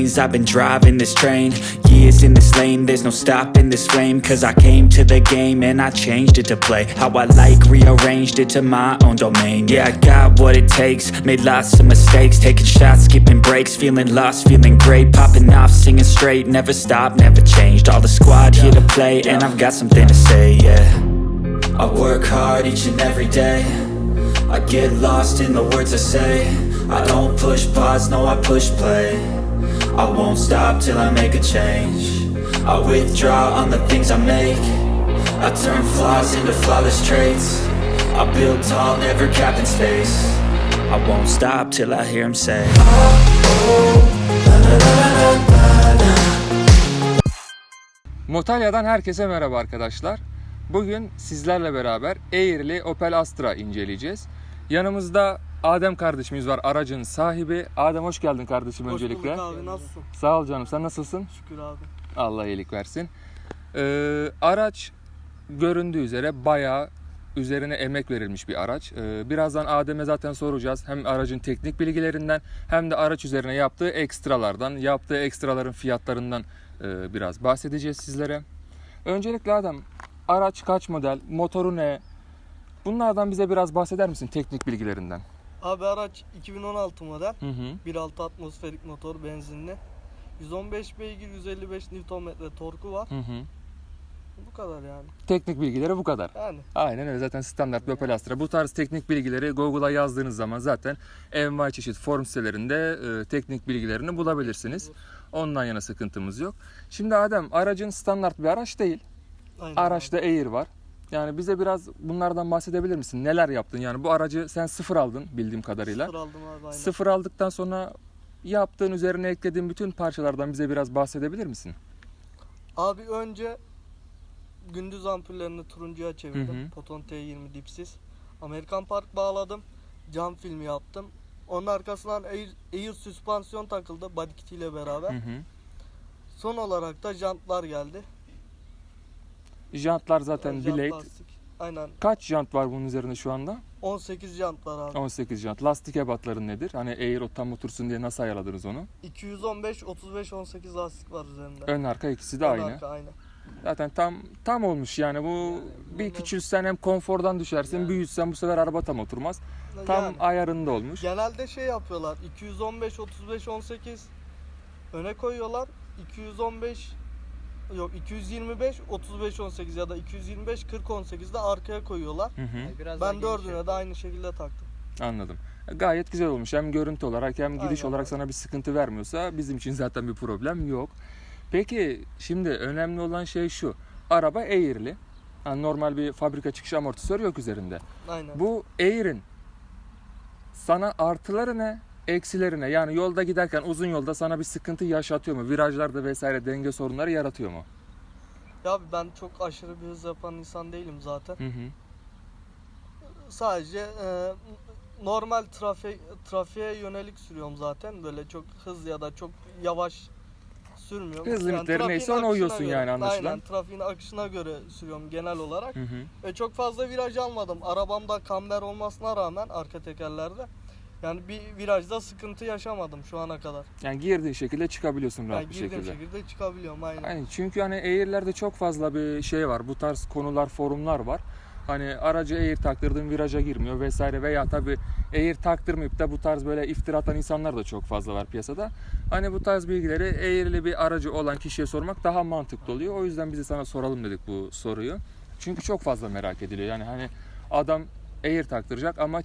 lanes. I've been driving this train, years in this lane. There's no stopping this flame, cause I came to the game and I changed it to play how I like, rearranged it to my own domain. Yeah, I got what it takes, made lots of mistakes, taking shots, skipping breaks, feeling lost, feeling great, popping off, singing straight, never stopped, never changed. All the squad here to play, and I've got something to say, yeah. I work hard each and every day, I get lost in the words I say. I don't push pause, no I push play. I won't stop till I make a change. I withdraw on the things I make. I turn flaws into flawless traits. I build tall, never capped in space. I won't stop till I hear him say, Motalya'dan herkese merhaba arkadaşlar. Bugün sizlerle beraber Air'li Opel Astra inceleyeceğiz. Yanımızda Adem kardeşimiz var, aracın sahibi. Adem hoş geldin kardeşim öncelikle. Hoş bulduk abi, nasılsın? Sağ ol canım, sen nasılsın? Şükür abi. Allah iyilik versin. Araç göründüğü üzere bayağı üzerine emek verilmiş bir araç. Birazdan Adem'e zaten soracağız. Hem aracın teknik bilgilerinden hem de araç üzerine yaptığı ekstralardan, yaptığı ekstraların fiyatlarından biraz bahsedeceğiz sizlere. Öncelikle Adem, araç kaç model, motoru ne? Bunlardan bize biraz bahseder misin, teknik bilgilerinden? Abi araç 2016 model. Hı hı. 1.6 atmosferik motor, benzinli. 115 beygir, 155 Nm torku var. Hı hı. Bu kadar yani. Teknik bilgileri bu kadar. Yani. Aynen öyle, zaten standart bir Opel Astra. Bu tarz teknik bilgileri Google'a yazdığınız zaman zaten envai çeşit forum sitelerinde teknik bilgilerini bulabilirsiniz. Ondan yana sıkıntımız yok. Şimdi Adem, aracın standart bir araç değil. Aynen Araçta abi. Air var. Yani bize biraz bunlardan bahsedebilir misin? Neler yaptın? Yani bu aracı sen sıfır aldın bildiğim kadarıyla. Sıfır aldım abi, aynen. Sıfır aldıktan sonra yaptığın, üzerine eklediğin bütün parçalardan bize biraz bahsedebilir misin? Abi önce gündüz ampullerini turuncuya çevirdim. Hı hı. Poton T20 dipsiz. Amerikan Park bağladım. Cam filmi yaptım. Onun arkasından Air süspansiyon takıldı body kit ile beraber. Hı hı. Son olarak da jantlar geldi. Jantlar zaten Jant Blade. lastik. Aynen. Kaç jant var bunun üzerinde şu anda? 18 jant var abi. 18 jant. Lastik ebatları nedir? Hani Air o tam otursun diye nasıl ayarladınız onu? 215, 35, 18 lastik var üzerinde. Ön arka ikisi de Ön aynı. arka aynı. Zaten tam olmuş yani bu. Bir küçülsen hem konfordan düşersin, büyütsen bu sefer araba tam oturmaz. Tam Yani ayarında olmuş. genelde şey yapıyorlar. 215, 35, 18 öne koyuyorlar. 225, 35, 18 ya da 225, 40, 18 de arkaya koyuyorlar. Hı hı. Ben dördüne de aynı şekilde taktım. Anladım. Gayet güzel olmuş. Hem görüntü olarak hem gidiş Aynen olarak abi. sana bir sıkıntı vermiyorsa bizim için zaten bir problem yok. Peki şimdi önemli olan şey şu. Araba Air'li. Yani normal bir fabrika çıkışı amortisör yok üzerinde. Aynen. Bu Air'in sana artıları ne, eksileri ne? Yani yolda giderken uzun yolda sana bir sıkıntı yaşatıyor mu? Virajlarda vesaire denge sorunları yaratıyor mu? Ya abi ben çok aşırı bir hız yapan insan değilim zaten. Hı hı. Sadece normal trafiğe yönelik sürüyorum zaten. Böyle çok hız ya da çok yavaş sürmüyorum. Hız limitleri trafiğin neyse ona akışına uyuyorsun göre, yani anlaşılan. Aynen, trafiğin akışına göre sürüyorum genel olarak. Hı hı. Çok fazla viraj almadım. Arabamda kamber olmasına rağmen arka tekerlerde. Yani bir virajda sıkıntı yaşamadım şu ana kadar. Yani girdiğin şekilde çıkabiliyorsun rahat Yani bir girdiğim şekilde. şekilde çıkabiliyorum aynen. Aynen. Çünkü hani Air'lerde çok fazla bir şey var. Bu tarz konular, forumlar var. Hani aracı Air taktırdığın viraja girmiyor vesaire veya tabii Air taktırmayıp da bu tarz böyle iftira atan insanlar da çok fazla var piyasada. Hani bu tarz bilgileri Air'li bir aracı olan kişiye sormak daha mantıklı oluyor. O yüzden biz de sana soralım dedik bu soruyu. Çünkü çok fazla merak ediliyor. Yani hani adam Air taktıracak ama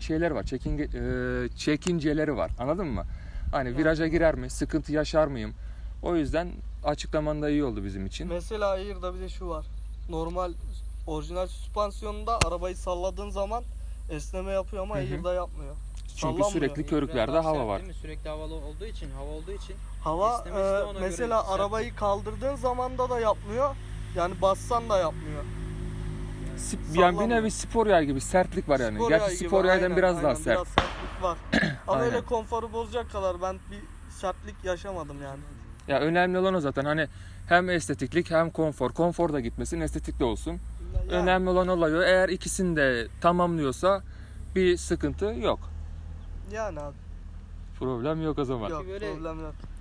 çekinceleri var. Anladın mı? Hani viraja girer mi? Sıkıntı yaşar mıyım? O yüzden açıklaman da iyi oldu bizim için. Mesela Air'da bir de şu var. Normal orijinal süspansiyonunda arabayı salladığın zaman esneme yapıyor ama Hı hı. Air'da yapmıyor. Çünkü Sallanmıyor. sürekli körüklerde hava var. Sürekli hava olduğu için Hava esnemesi de ona mesela göre arabayı kaldırdığın zamanda da yapmıyor. Yani bassan da yapmıyor. Yani bir Sallanmıyor. nevi spor yay gibi sertlik var yani. Spor Gerçi yay gibi, spor yaydan aynen, biraz daha aynen, sert. Biraz sertlik var. Ama Aynen. öyle konforu bozacak kadar ben bir sertlik yaşamadım yani. Ya önemli olan o zaten. Hani hem estetiklik hem konfor. Konfor da gitmesin, estetik de olsun. Yani, Önemli olan olay o. Eğer ikisini de tamamlıyorsa bir sıkıntı yok. yani abi. Problem yok o zaman. Yok, böyle- problem yok.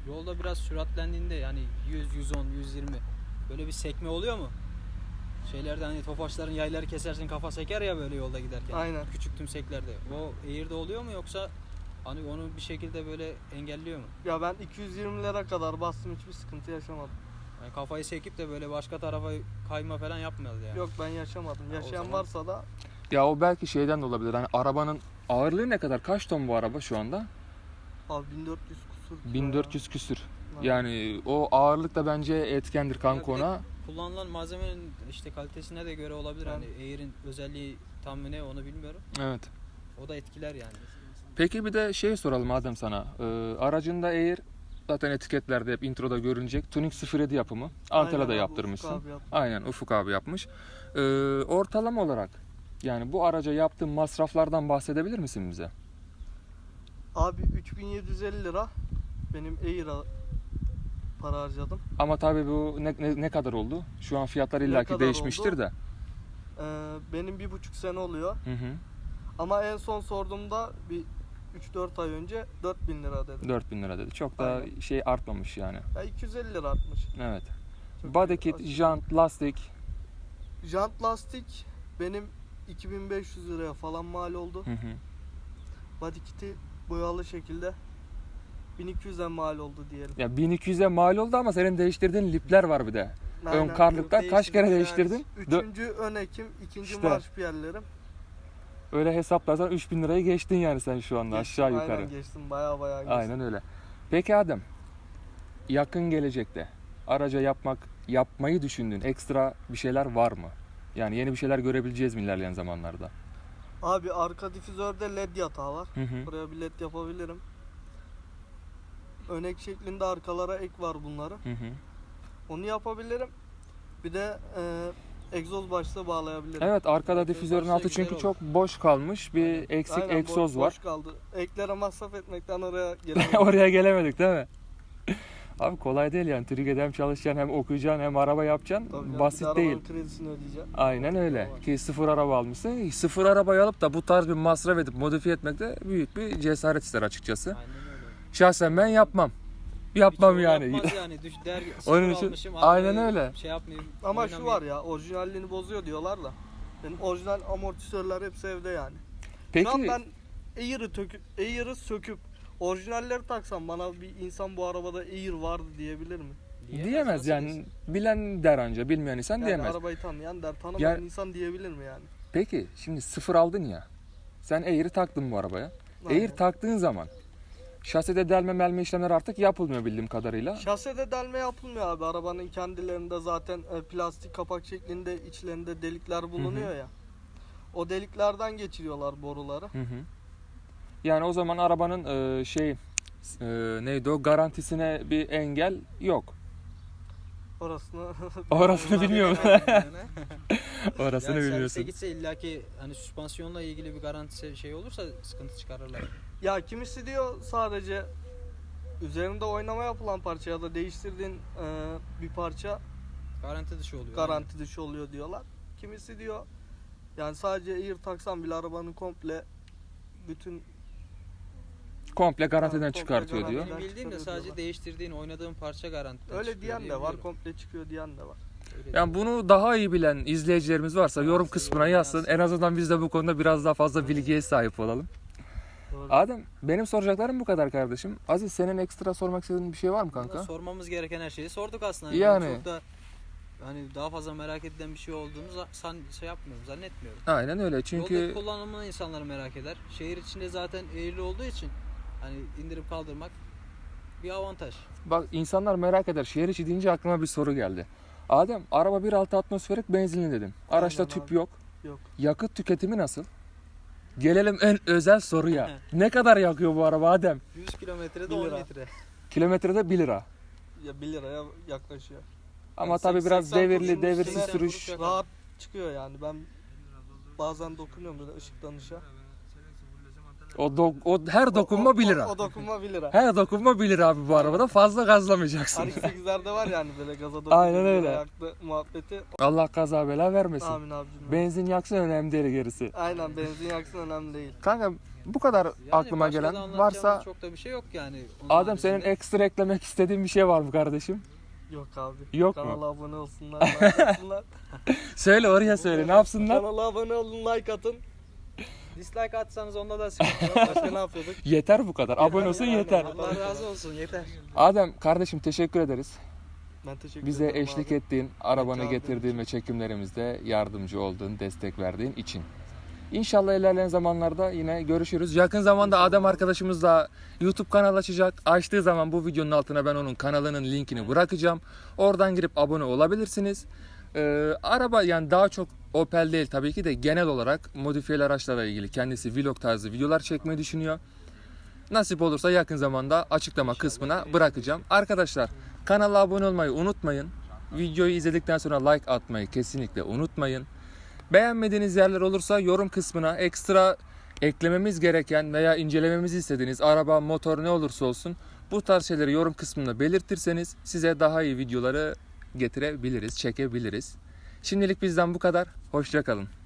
yolda biraz süratlendiğinde yani 100, 110, 120 böyle bir sekme oluyor mu? Şeylerde hani tofaşların yayları kesersin kafa seker ya böyle yolda giderken. Aynen. Küçük tümseklerde. O Air'de oluyor mu yoksa hani onu bir şekilde böyle engelliyor mu? Ya ben 220'lere kadar bastım, hiçbir sıkıntı yaşamadım. Yani kafayı sekip de böyle başka tarafa kayma falan yapmıyordu yani. Yok, ben yaşamadım. o Yaşayan zaman- varsa da Ya o belki şeyden de olabilir. Hani arabanın ağırlığı ne kadar? Kaç ton bu araba şu anda? abi 1400 kusur. kilo 1400 küsür. ya. Yani o ağırlık da bence etkendir kanka Ya bir de ona. kullanılan malzemenin işte kalitesine de göre olabilir. Yani. Hani Air'in özelliği tam mı ne onu bilmiyorum. Evet. O da etkiler yani. Peki bir de şey soralım Adem sana. Aracında Air zaten etiketlerde hep introda görünecek. Tuning 07 yapımı. Antalya'da Aynen abi, yaptırmışsın. Ufuk abi yaptı. Aynen Ufuk abi yapmış. Ortalama olarak yani bu araca yaptığın masraflardan bahsedebilir misin bize? Abi 3750 lira benim Air'a para harcadım. Ama tabii bu ne kadar oldu? Şu an fiyatlar illaki kadar değişmiştir oldu? de. Benim 1,5 sene oluyor. Hı hı. Ama en son sorduğumda bir 3-4 ay önce 4000 lira dedi. 4000 lira dedi. Çok da Aynen. şey artmamış yani. Ya 250 lira artmış. Evet. Çok Body iyi. kit, jant, lastik. Jant lastik benim 2500 liraya falan mal oldu. Hı hı. Body kit'i boyalı şekilde 1200'e mal oldu diyelim. Ya 1200'e mal oldu ama senin değiştirdiğin lipler var bir de. Ön Aynen. karlıklar kaç kere değiştirdin? Üçüncü ön ekim, ikinci İşte. marş piyerlerim. Öyle hesaplarsan 3000 lirayı geçtin yani sen şu anda aşağı yukarı. Aynen geçtim, baya geçtim. Aynen öyle. Peki Adem, yakın gelecekte araca yapmayı düşündüğün ekstra bir şeyler var mı? Yani yeni bir şeyler görebileceğiz mi ilerleyen zamanlarda? Abi arka difüzörde led yatağı var. Hı hı. Buraya bir led yapabilirim. Önek şeklinde arkalara ek var bunların. Hı hı. Onu yapabilirim. Bir de egzoz başlığı bağlayabilirim. Evet, arkada Egzoz difüzörün başlığı altı güzel çünkü olur. çok boş kalmış. Bir Aynen. eksik Aynen, egzoz var. boş kaldı. Eklere masraf etmekten oraya gelemedim. Oraya gelemedik değil mi? Abi kolay değil yani. Türkiye'de hem çalışacaksın hem okuyacaksın hem araba yapacaksın. Tabii canım, bir de Basit arabanın değil. kredisini ödeyeceğim. Aynen öyle. Ki sıfır araba almışsın. Sıfır arabayı alıp da bu tarz bir masraf edip modifiye etmek de büyük bir cesaret ister açıkçası. Aynen öyle. Şahsen ben yapmam. Yapmam Birçoğu yani. Yapmaz yani. Der, Onun sıfır için- almışım, aynen arabayı öyle. Şey yapmayayım. Ama şu oynamayayım. var ya, orijinalliğini bozuyor diyorlar da. Benim orijinal amortisörler hepsi evde yani. Peki Şu an ben Air'ı söküp orijinalleri taksam bana bir insan bu arabada Air vardı diyebilir mi? diyemez nasıl yani. desin? Bilen der anca, bilmeyen insan Yani diyemez. arabayı tanıyan der, tanımayan Yani- insan diyebilir mi yani? Peki şimdi sıfır aldın ya. Sen Air'i taktın bu arabaya. Air Aynen. taktığın zaman şasede delme melme işlemler artık yapılmıyor bildiğim kadarıyla. Şasede delme yapılmıyor abi. Arabanın kendilerinde zaten plastik kapak şeklinde içlerinde delikler bulunuyor ya. O deliklerden geçiriyorlar boruları. Hı hı. Yani o zaman arabanın neydi o garantisine bir engel yok. Orasını Orasını bilmiyorum. Orasını Yani bilmiyorsun. servise gitse illaki hani süspansiyonla ilgili bir garanti şey olursa sıkıntı çıkarırlar. Ya kimisi diyor sadece üzerinde oynama yapılan parça ya da değiştirdiğin bir parça Garanti dışı oluyor. garanti dışı oluyor diyorlar. Kimisi diyor yani sadece Air taksan bile arabanın komple bütün Komple garantiden komple çıkartıyor garanti. diyor. Benim bildiğim de Çıkarıyor sadece diyorlar. değiştirdiğin, oynadığın parça garanti. öyle diyen de var, komple çıkıyor diyen de var. Yani bunu daha iyi bilen izleyicilerimiz varsa yorum Varsa kısmına yorum yazsın. yazsın. En azından biz de bu konuda biraz daha fazla bilgiye sahip olalım. Doğru. Adem, benim soracaklarım bu kadar kardeşim. Aziz, senin ekstra sormak istediğin bir şey var mı kanka? Sormamız gereken her şeyi sorduk aslında. Yani. Çok da hani daha fazla merak edilen bir şey olduğunu şey yapmıyorum, zannetmiyorum. Aynen öyle. Yolda Çünkü kullanımını insanlar merak eder. Şehir içinde zaten eğrili olduğu için hani indirip kaldırmak bir avantaj. bak insanlar merak eder. Şehir içi deyince aklıma bir soru geldi. Adem, araba 1.6 atmosferik benzinli dedin. Araçta Aynen tüp abi. yok. Yok. Yakıt tüketimi nasıl? Gelelim en özel soruya. Ne kadar yakıyor bu araba Adem? 100 kilometrede 1 10 lira. litre. Kilometrede 1 lira. Ya 1 liraya yaklaşıyor. Ama Yani tabii biraz 80 devirli, kuruşun devirsiz üstüne sürüş. Yakar. Rahat çıkıyor yani. Ben bazen dokunuyorum böyle ışıktan ışığa. O her dokunma 1 lira. O dokunma 1 lira. Her dokunma 1 lira abi bu arabada. Fazla gazlamayacaksın. R8'lerde var yani böyle gaza dokununca Aynen öyle. yaktı muhabbeti. Allah kaza bela vermesin. Amin abicim. Benzin yaksın önemli değil gerisi. Aynen, benzin yaksın önemli değil. Kanka Bu kadar Yani aklıma başka da gelen anlatacağımız varsa. çok da bir şey yok yani. Onun Adem, senin haricinde. ekstra eklemek istediğin bir şey var mı kardeşim? Yok abi. Yok mu? Kanala abone olsunlar, like atsınlar. Söyle, oraya söyle, ne yapsınlar? Kanala abone olun, like atın. Dislike atsanız onda da sıkıntı yok. Başka ne yapıyorduk? Yeter bu kadar. Abone olsun yeter. Allah razı olsun yeter. Adem kardeşim, teşekkür ederiz. Ben teşekkür Bize ederim eşlik abi. ettiğin, arabanı Rica getirdiğin ederim. ve çekimlerimizde yardımcı olduğun, destek verdiğin için. İnşallah ilerleyen zamanlarda yine görüşürüz. Yakın zamanda Adem arkadaşımız da YouTube kanalı açacak. Açtığı zaman bu videonun altına ben onun kanalının linkini bırakacağım. Oradan girip abone olabilirsiniz. Araba yani daha çok Opel değil tabii ki de, genel olarak modifiyeli araçlarla ilgili kendisi vlog tarzı videolar çekmeyi düşünüyor. Nasip olursa yakın zamanda açıklama kısmına bırakacağım. Arkadaşlar, kanala abone olmayı unutmayın. Videoyu izledikten sonra like atmayı kesinlikle unutmayın. Beğenmediğiniz yerler olursa yorum kısmına ekstra eklememiz gereken veya incelememizi istediğiniz araba, motor ne olursa olsun bu tarz şeyleri yorum kısmında belirtirseniz size daha iyi videoları getirebiliriz, çekebiliriz. Şimdilik bizden bu kadar. Hoşça kalın.